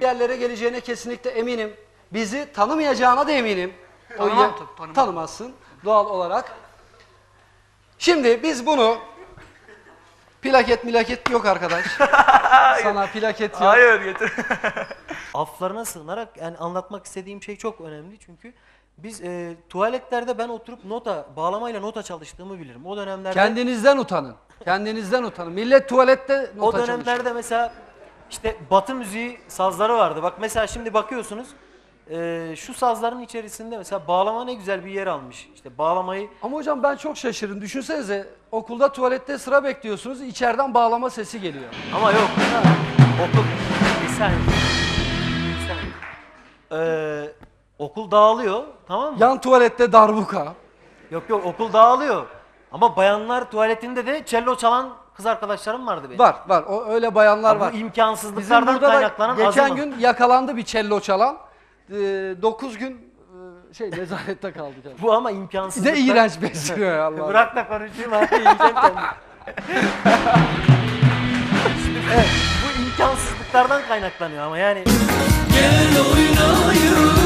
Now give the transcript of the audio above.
yerlere geleceğine kesinlikle eminim. Bizi tanımayacağına da eminim. Tanımazsın doğal olarak. Şimdi biz bunu plaket yok arkadaş. Sana plaket yok. Hayır getir. Aflarına sığınarak yani anlatmak istediğim şey çok önemli çünkü biz tuvaletlerde ben oturup bağlamayla nota çalıştığımı bilirim. O dönemlerde Kendinizden utanın. Kendinizden utanın. Millet tuvalette nota o çalışıyor. dönemlerde mesela işte Batı müziği sazları vardı. Bak mesela şimdi bakıyorsunuz şu sazların içerisinde mesela bağlama ne güzel bir yer almış. İşte bağlamayı Ama hocam ben çok şaşırdım. Düşünsenize okulda tuvalette sıra bekliyorsunuz. İçeriden bağlama sesi geliyor. ama yok. Okul bir saniye. Bir saniye. Okul dağılıyor, tamam mı? Yan tuvalette darbuka. Yok okul dağılıyor. Ama bayanlar tuvaletinde de cello çalan kız arkadaşlarım vardı benim. Var. O öyle bayanlar Bu var. imkansızlıklardan Bizim burada da kaynaklanan geçen azınlık. gün yakalandı bir cello çalan. 9 gün nezarette kaldı. Bu ama imkansızlıklar. Ne iğrenç besliyor ya Allah. Bırak da konuşayım abi, yiyeceğim kendimi. Evet, bu imkansızlıklardan kaynaklanıyor ama yani. Gel oynayalım.